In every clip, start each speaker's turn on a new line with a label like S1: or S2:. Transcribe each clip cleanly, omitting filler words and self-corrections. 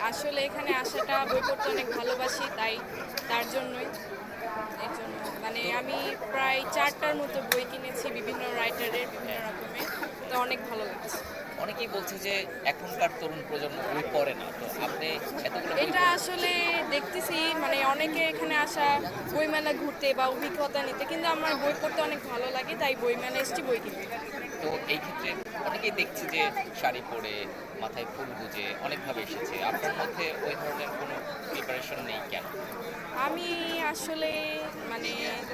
S1: আসলে এখানে আসাটা বই পড়তে অনেক ভালোবাসি, তাই তার জন্যই। এর জন্য মানে
S2: তো
S1: আমি প্রায় 4টার মতো বই কিনেছি বিভিন্ন রাইটারের বিভিন্ন রকমের, তো অনেক ভালো লাগছে।
S2: অনেকেই বলছে যে এখনকার তরুণ প্রজন্ম বই পড়ে না। তো আপনি এতগুলো বই
S1: এটা
S2: পড়েছেন।
S1: আসলে দেখতেছি মানে অনেকে এখানে আসা বইমেলা ঘুরতে বা অভিজ্ঞতা নিতে, কিন্তু আমার বই পড়তে অনেক ভালো লাগে, তাই বইমেলা এসেছি বই কিনতে।
S2: তো এই ক্ষেত্রে অনেকেই দেখছি যে শাড়ি পরে, মাথায় ফুল গুজে অনেকভাবে এসেছে। আপনার মধ্যে ওই ধরনের কোনো প্রিপারেশন নেই কেন?
S1: আমি আসলে মানে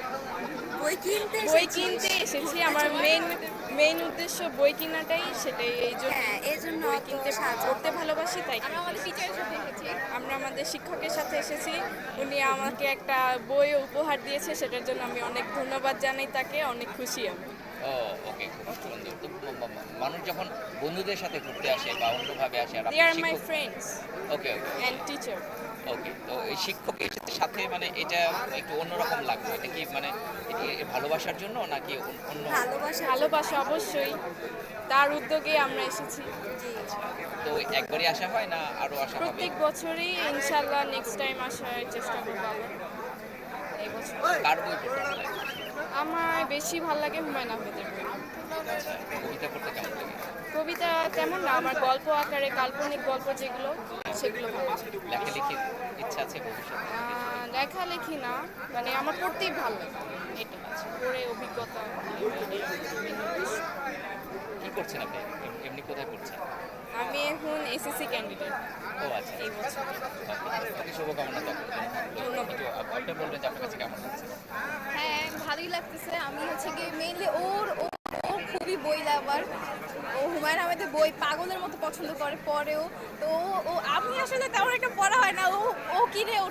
S3: বই কিনতে
S1: বই
S3: এসেছিস
S1: কিনতে এসেছি,
S3: ঘুরতে
S1: আমার
S3: চলে
S1: মেইন উদ্দেশ্য বই কেনাটাই, সেটাই এই জন্য
S3: হ্যাঁ এই জন্য
S1: বই
S3: অত
S1: কিনতে
S3: সাজা
S1: পড়তে ভালোবাসি, তাই
S4: আমরা
S1: কিনতে
S4: আমাদের
S1: এসেছি।
S4: টিচারের সাথে এসেছি।
S1: আমরা আমাদের শিক্ষকের সাথে এসেছি, উনি আমাকে একটা বই উপহার দিয়েছে, সেটার জন্য আমি অনেক ধন্যবাদ জানাই তাকে, অনেক খুশি আমি।
S2: ও ওকে, খুব সুন্দর। তো মানুষ যখন বন্ধুদের সাথে ঘুরতে আসে বা অন্যভাবে আসে আর
S1: দে
S2: আপনি
S1: আর মাই
S2: শিক্ষক।
S1: Friends
S2: okay okay
S1: and teacher.
S2: Okay, তো এই শিক্ষকের সাথে মানে এটা একটু অন্যরকম লাগলো। এটা কি মানে এটা কি ভালোবাসার জন্য নাকি অন্য?
S3: ভালোবাসা
S1: ভালোবাসা অবশ্যই, তার উদ্যোগে আমরা এসেছি।
S3: জি
S2: তো একবারই আসা হয় না আরো আসা হবে?
S1: প্রত্যেক বছরই ইনশাল্লাহ নেক্সট টাইম আসার চেষ্টা করবো আবার এই বছর।
S2: কার বই পড়তে ভালো লাগে?
S1: আমার বেশি ভালো লাগে হুমায়ুন আহমেদের বই।
S2: আচ্ছা, কবিতা পড়তে কেমন লাগে?
S1: কবিতা তেমন না, আমার গল্প আকারে কাল্পনিক গল্প যেগুলো, সেগুলো ভালো লাগে।
S2: লেখালেখির ইচ্ছা আছে ভবিষ্যতে?
S1: লেখালেখি না, মানে আমার পড়তেই ভালো লাগে, এটা পড়ে অভিজ্ঞতা বিভিন্ন বিষয়।
S2: কি করছেন আপনি? এমনি কোথায় পড়ছেন?
S1: আমি এখন এসএসসি ক্যান্ডিডেট
S2: ও আচ্ছা,
S1: এই বছর।
S2: ওকে, শুভকামনা থাকবে।
S1: ধন্যবাদ।
S2: একটু আপনি বলবেন যে আপনার কাছে কেমন লাগছে?
S4: হ্যাঁ, ভালোই লাগতেছে। আমি হচ্ছে গিয়ে মেইনলি ও খুবই বই লাভার। ও হুমায়ুন আহমেদের বই পাগলের মতো পছন্দ করে, পড়েও। তো আমি আসলে তেমন একটা পড়া হয় না, ও কিনে, ও